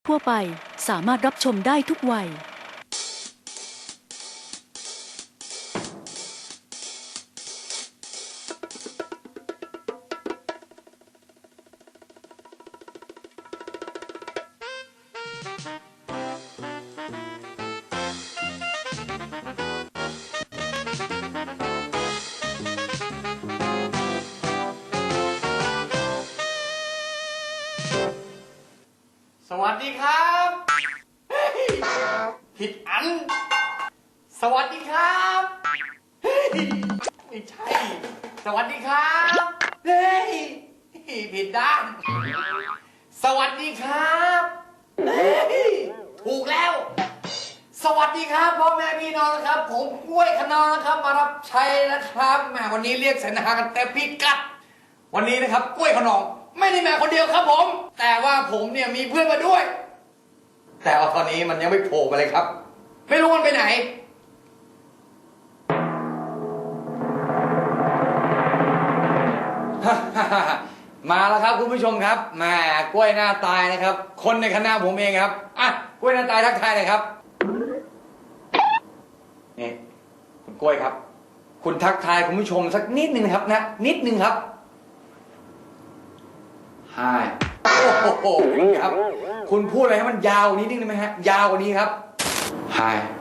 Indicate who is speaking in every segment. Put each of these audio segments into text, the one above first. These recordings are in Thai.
Speaker 1: ทั่วไปสามารถรับชมได้ทุกวัย
Speaker 2: สวัสดีครับผิดอันสวัสดีครับไม่ใช่สวัสดีครับเฮ้ยผิดด้านสวัสดีครับเฮ้ยถูกแล้วสวัสดีครับพ่อแม่พี่น้องนะครับผมกล้วยขนองนะครับมารับใช้นะครับแหมวันนี้เรียกเสนากันเต็มพิกัดวันนี้นะครับกล้วยขนองไม่ได้มาคนเดียวครับผมแต่ว่าผมเนี่ยมีเพื่อนมาด้วยแต่ว่าตอนนี้มันยังไม่โผล่มาเลยครับไม่รู้มันไปไหนมาแล้วครับคุณผู้ชมครับแหมกล้วยหน้าตายนะครับคนในคณะผมเองครับอ่ะกล้วยหน้าตายทักทายเลยครับนี่คุณกล้วยครับคุณทักทายคุณผู้ชมสักนิดนึงครับนะนิดนึงครับใช่โอ้โหครับคุณพูดอะไรให้มันยาวกว่านี้นิดนึงไหมฮะยาวกว่านี้ครับไฮ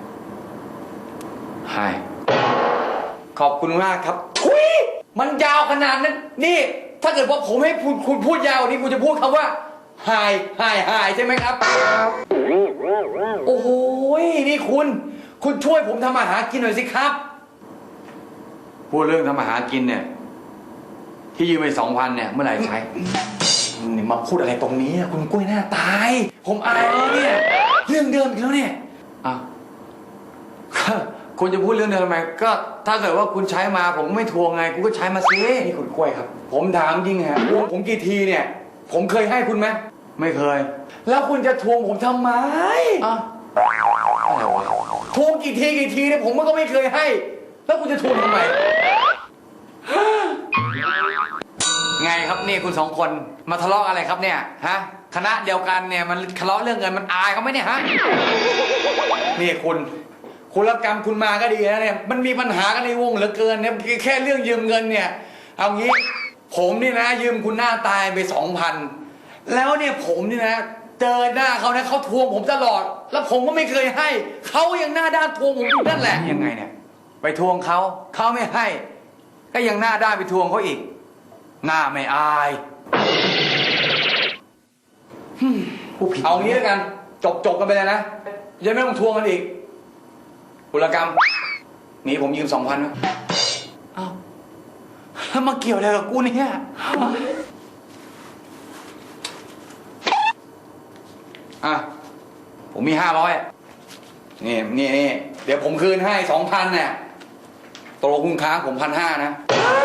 Speaker 2: ไฮขอบคุณมากครับทุยมันยาวขนาดนั้นนี่ถ้าเกิดว่าผมให้คุณพูดยาวกว่านี้คุณจะพูดคำว่าไฮใช่ไหมครับโอ้โหนี่คุณช่วยผมทำอาหารกินหน่อยสิครับพูดเรื่องทำอาหารกินเนี่ยที่ยืมไป2,000เนี่ยเมื่อไหร่ใช้นี่มาพูดอะไรตรงนี้คุณกล้วยหน้าตายผมอายเนี่ยเรื่องเดิมอีกแล้วเนี่ยอ้าวคุณจะพูดเรื่องเดิมทำไมก็ถ้าเกิดว่าคุณใช้มาผมก็ไม่ทวงไงคุณก็ใช้มาสินี่คุณกล้วยครับผมถามจริงฮะทวงผมกี่ทีเนี่ยผมเคยให้คุณไหมไม่เคยแล้วคุณจะทวงผมทำไมอ้าวอะไรวะทวงกี่ทีเนี่ยผมก็ไม่เคยให้แล้วคุณจะทวงทำไมไงครับนี่คุณ2คนมาทะเลาะอะไรครับเนี่ยฮะคณะเดียวกันเนี่ยมันทะเลาะเรื่องเงินมันอายเขาไหมเนี่ยฮะนี่คุณรับกรรมคุณมาก็ดีนะเนี่ยมันมีปัญหากันในวงเหลือเกินเนี่ยแค่เรื่องยืมเงินเนี่ยเอางี้ผมนี่นะยืมคุณหน้าตายไป 2,000แล้วเนี่ยผมนี่นะเจอหน้าเขาเนี่ยเขาทวงผมตลอดแล้วผมก็ไม่เคยให้เขายังหน้าด้านทวงผมอยู่นั่นแหละยังไงเนี่ยไปทวงเขาไม่ให้ก็ยังหน้าด้านไปทวงเขาอีกหน้าไม่อายเอางี้แล้วกันจบกันไปเลยนะยังไม่ต้องทวงกันอีกบุรกรรมมีผมยืม 2,000นะอ้าวแล้วมาเกี่ยวอะไรกับกูเนี่ยอ่ะผมมี500นี่เดี๋ยวผมคืนให้ 2,000เนี่ยตกลงคุณค้างผม1,500นะ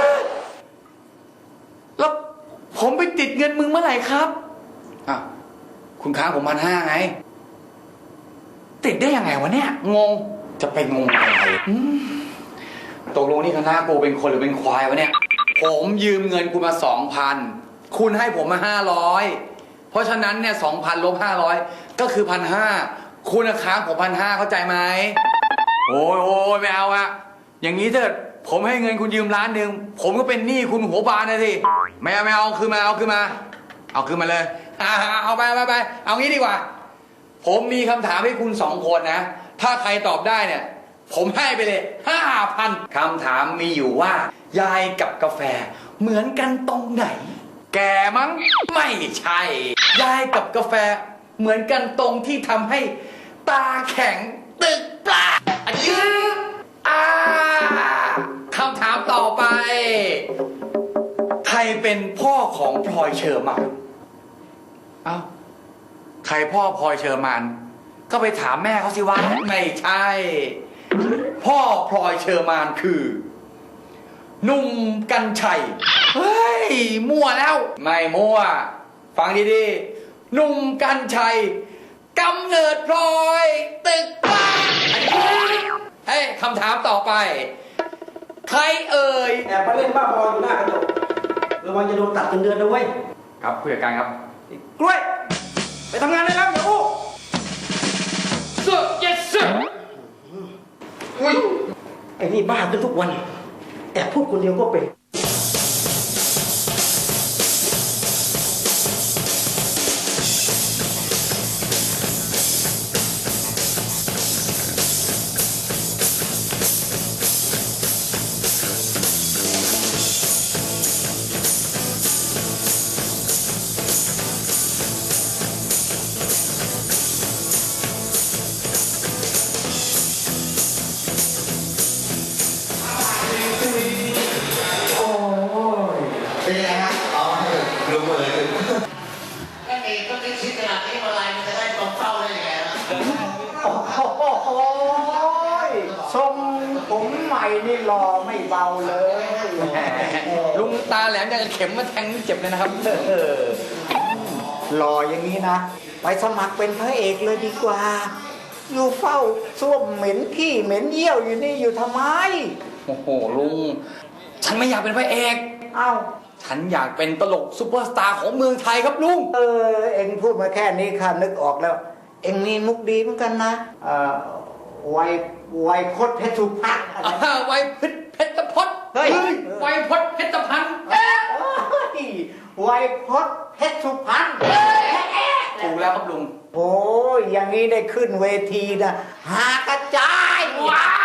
Speaker 2: แล้วผมไปติดเงินมึงเมื่อไหร่ครับอ่ะคุณค้างผม1,500ไงติดได้ยังไงวะเนี่ยงงจะไปงงอะไรตกลงนี่คณะกูเป็นคนหรือเป็นควายวะเนี่ยผมยืมเงินคุณมา 2,000คุณให้ผมมา500เพราะฉะนั้นเนี่ย 2,000 ลบ 500ก็คือ 1,500คุณค้างผม1,500เข้าใจไหมโอ้ยไม่เอาอะอย่างนี้เถิดผมให้เงินคุณยืม1,000,000ผมก็เป็นหนี้คุณหัวบานนะสิไม่เอาคืนมาเอาคืนมาเลยเอาไปเอางี้ดีกว่าผมมีคำถามให้คุณ2คนนะถ้าใครตอบได้เนี่ยผมให้ไปเลย 5,000 คำถามมีอยู่ว่ายายกับกาแฟเหมือนกันตรงไหนแกมั้งไม่ใช่ยายกับกาแฟเหมือนกันตรงที่ทำให้ตาแข็งตึกปลาคำถามต่อไปใครเป็นพ่อของพลอยเชอร์มานเอ้าใครพ่อพลอยเชอร์มานก็ไปถามแม่เขาสิว่าไม่ใช่พ่อพลอยเชอร์มานคือหนุ่มกรรชัยเฮ้ยมั่วแล้วไม่มั่วฟังดีๆหนุ่มกรรชัยกำเนิดพลอยตึกปลาเฮ้ยคำถามต่อไปใครเอ่ย
Speaker 3: แอบมาเล่นบ้าบออยู่หน้ากระจกระวังจะโดนตัดเงินเดือนนะเว้ย
Speaker 2: ครับผู้จัดการครับ
Speaker 3: กล้วยไปทำงานได้แล้วอย่าอู้นี่บ้าขึ้นทุกวันแอบพูดคนเดียวก็เป็น
Speaker 4: เป็นยังไงฮะอ๋อรู้เลยก็เองก็คิดชิดขนาดนี้มาอะไรมันจะได้ตรงเป้าได้ยังไงนะ
Speaker 5: โอ้ยทรงผมใหม่นี่หล่อไม่เบาเลย
Speaker 2: ลุงตาแหลมจะเข็มมาแทงเจ็บเลยนะครับ
Speaker 5: หล่ออย่างนี้นะ ไปสมัครเป็นพระเอกเลยดีกว่า อยู่เฝ้าส้วมเหม็นขี้เหม็นเยี่ยวอยู่นี่อยู่ทำไม
Speaker 2: โอ้โหลุง ฉันไม่อยากเป็นพระเอก
Speaker 5: เอ้า
Speaker 2: ฉันอยากเป็นตลกซูเปอร์สตาร์ของเมืองไทยครับลุง
Speaker 5: เอ็งพูดมาแค่นี้ข้านึกออกแล้ว เอ็งมีมุกดีเหมือนกันนะไวยพจน์เพชรสุพรรณอะไรนะ
Speaker 2: ไวยเพชรพจน์
Speaker 5: เฮ้ย
Speaker 2: ไวยพจน์เพชรพันธ์
Speaker 5: ไวยพจน์เพชรสุพรรณ
Speaker 2: ถูกแล้วครับลุง
Speaker 5: โอ้ยอย่างนี้ได้ขึ้นเวทีนะหากระจายว้า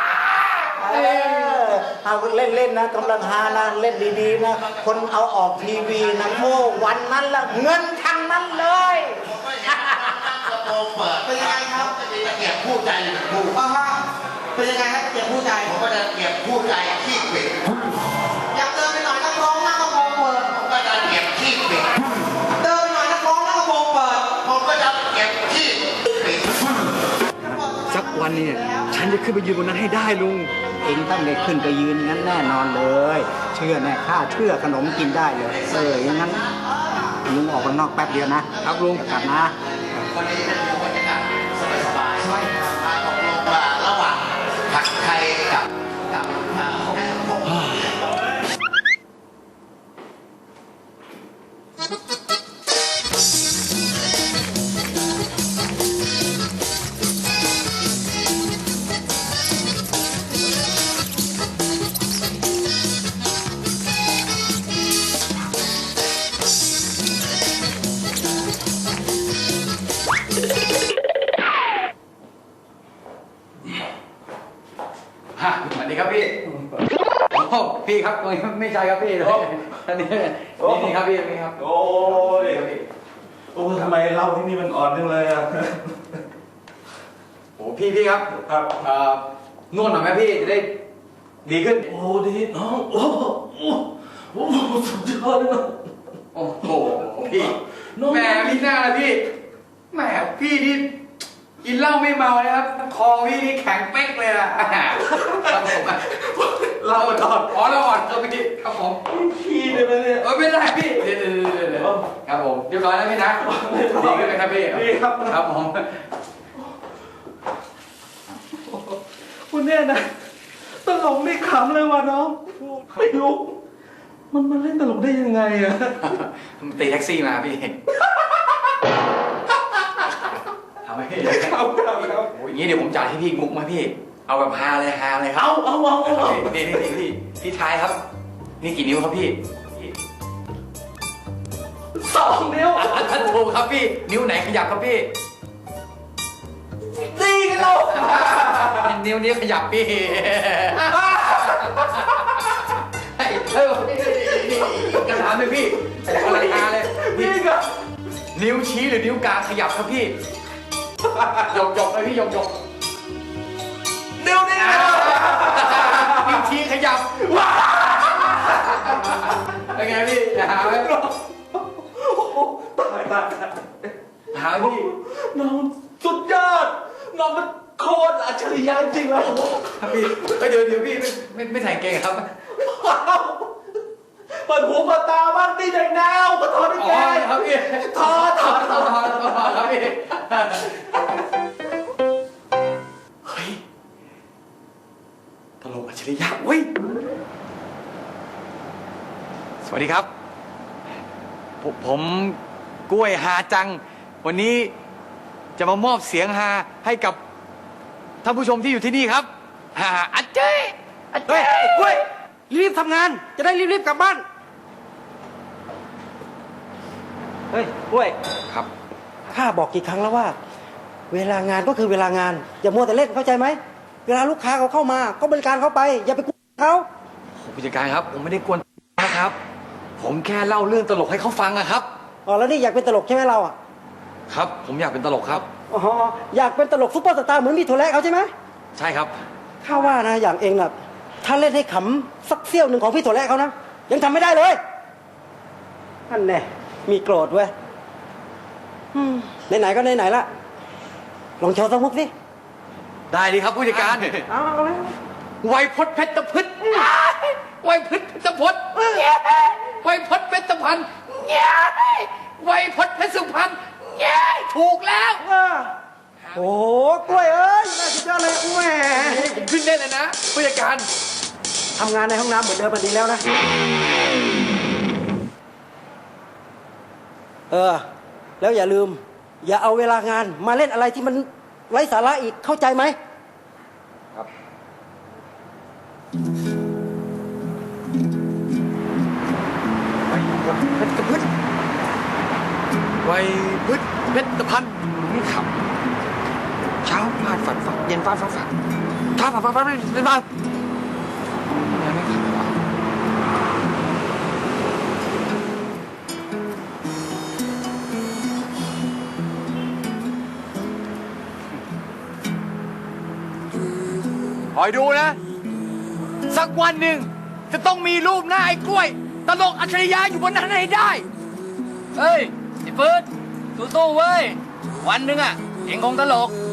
Speaker 5: เอาเล่นๆนะกำลังฮานะเล่นดีๆนะคนเอาออกทีวีนะโม่วันนั้นละเงินทั้งนั้นเลย
Speaker 4: กระโปรงเปิดเป็นยังไงครับจะมีตะเกียบคู่ใจคู่เป็นยังไงครับตะเกียบคู่ใจผมก็จะตะเกียบคู่ใจขี้ปิดอยากเดินไปหน่อยนักร้องหน้ากระโปรงเปิดผมก็จะตะเกียบขี้ปิดเดินไปหน่อยนักร้องหน้ากระโปรงเปิดผมก็จะตะเกียบขี้ปิด
Speaker 2: สักวันเนี่ยฉันจะขึ้นไปยืนบนนั้นให้ได้ลุง
Speaker 5: เองต้องได้ขึ้นไปยืนงั้นแน่นอนเลย เชื่อแน่ข้าเชื่อขนมกินได้เลยอย่างนั้นลุงออกไปนอกแป๊บเดียวนะครับลุงกลับนะ
Speaker 4: วันนี้เป็นบรรยากาศสบายๆตกลงว่าระหว่างผัดไทยกับผม
Speaker 2: สวัสดีครับพี่โอ้พี่ครับไม่ใช่ครับพี่อันนี้นี่ครับพี่นี่ครับ
Speaker 3: โอ้ยโอ้ทำไมเล่าที่นี่มันอ่อนจังเลยอ่ะ
Speaker 2: โอ้พี่ครับ
Speaker 3: ครับ
Speaker 2: นวดหน่อยไหมพี่จะได้ดีขึ้น
Speaker 3: โอ้ดีน้องโอ้โอ้สุดยอดเลยน้อง
Speaker 2: โอ้โหพี่แหมพี่หน้าเลยพี่แหมพี่นี่กินเหล้าไม่เมานะครับคอพี่นี่แข็งเป๊กเลยนะครับผมเราอ่อนอ๋อเราอ่อนครับพี่ครับผม
Speaker 3: ขี้เลยไหมเนี่ย
Speaker 2: ไม่ได้พี่เดี๋ยวครับผมเรียบร้อยแล้วพี่นะดีขึ้นไหมครับพี่
Speaker 3: ดีครับ
Speaker 2: ครับผม
Speaker 3: คุณเนี่ยนะตลกไม่ขำเลยว่ะน้องไม่รู้มันเล่นตลกได้ยังไงอ่ะ
Speaker 2: ตีแท็กซี่มาพี่ทำไมพี่
Speaker 3: ครับ
Speaker 2: โอ้ยอย่างนี้เดี๋ยวผมจ่ายให้พี่มุกมาพี่เอาแบบฮาเลยครับ
Speaker 3: เอา
Speaker 2: นี่พี่ชายครับ นี่กี่นิ้วครับพี่
Speaker 3: 2 นิ้ว
Speaker 2: ถูกครับพี่ นิ้วไหนขยับครับพี่
Speaker 3: ตีกันแล้ว
Speaker 2: นิ้วขยับพี่เฮ้ยกระถามเลยพี่อะไรฮาเลย
Speaker 3: นี่ก็
Speaker 2: นิ้วชี้หรือนิ้วกลางขยับครับพี่หยกเลยพี่หยก
Speaker 3: นิ้วนี่
Speaker 2: นิ้วชี้ขยับว้าเป็นไงพี่หาไหม
Speaker 3: ตาย
Speaker 2: หาพี่
Speaker 3: น้องสุดยอดน้องมันโคตรอัจฉริยะจริงแล้ว
Speaker 2: ครับพี่เดี๋ยวพี่ไม่ใส่เกงครับ
Speaker 3: เปิดหูเปิดตาบ้างตีแดงแนวก็ถอดได้แก
Speaker 2: ครับพี่
Speaker 3: ถอด
Speaker 2: ครับพี่เฮ้ยตลกอัจฉริยะเว้ยสวัสดีครับผมกล้วยฮาจัง วันนี้จะมามอบเสียงฮาให้กับท่านผู้ชมที่อยู่ที่นี่ครับฮาอัจเจ้
Speaker 3: เฮ้ยไอ้กล้วยรีบทำงานจะได้รีบๆกลับบ้านเฮ้ยกล้วย
Speaker 2: ครับ
Speaker 3: ข้าบอกกี่ครั้งแล้วว่า เวลางานก็คือเวลางาน อย่ามัวแต่เล่นเข้าใจไหมเวลาลูกค้าเขาเข้ามาก็บริการเขาไป อย่าไปกวนเขา
Speaker 2: ผู้จัดการครับ ผมไม่ได้กวนนะครับ ผมแค่เล่าเรื่องตลกให้เขาฟังอะครับ
Speaker 3: อ๋อแล้วนี่อยากเป็นตลกใช่ไหมเราอ่ะ
Speaker 2: ครับ ผมอยากเป็นตลกครับ
Speaker 3: อ๋ออยากเป็นตลกซุปเปอร์สตาร์เหมือนมีโทรแลเขาใช่ไหม
Speaker 2: ใช่ครับ
Speaker 3: ข้าว่านะอย่างเองน่ะถ้าเล่นให้ขำสักเสี้ยวหนึ่งของพี่โทรแลเขานะยังทำไม่ได้เลยนั่นแน่มีโกรธเว้ยไหนๆก็ไหนๆละลองโชว์สักมุกสิ
Speaker 2: ได้ดีครับผู้จัดการ
Speaker 3: เอาเลย
Speaker 2: ไวยพจน์เพชรพฤษไวยพจน์เพชรพฤษไวยพจน์เพชรพันธ์ไวยพจน์เพชรสุพรรณถูกแล้ว
Speaker 3: โอ้โหกล้วยเอ้ยน่าสุดยอดเลยแหม
Speaker 2: ผมขึ้นได้เลยนะผู้จัดการ
Speaker 3: ทำงานในห้องน้ำเหมือนเดิมมันดีแล้วนะแล้วอย่าลืม อย่าเอาเวลางานมาเล่นอะไรที่มันไร้สาระอีกเข้าใจไหม
Speaker 2: ไวยพจน์เพชรพันธ์ไม่ขับ เช้าฟาดฝันฝันเย็นฟาดฝันฝันเช้าฟาดฝันฝันเย็นฟาดยังไม่ขับวะคอยดูนะ สักวันหนึ่งจะต้องมีรูปหน้าไอ้กล้วย ตลกอัจฉริยะอยู่บนนั้นให้ได้
Speaker 6: เฮ้ยไอ้เฟิร์สสู้ๆเว้ย วันหนึ่งอ่ะ เองคงตลก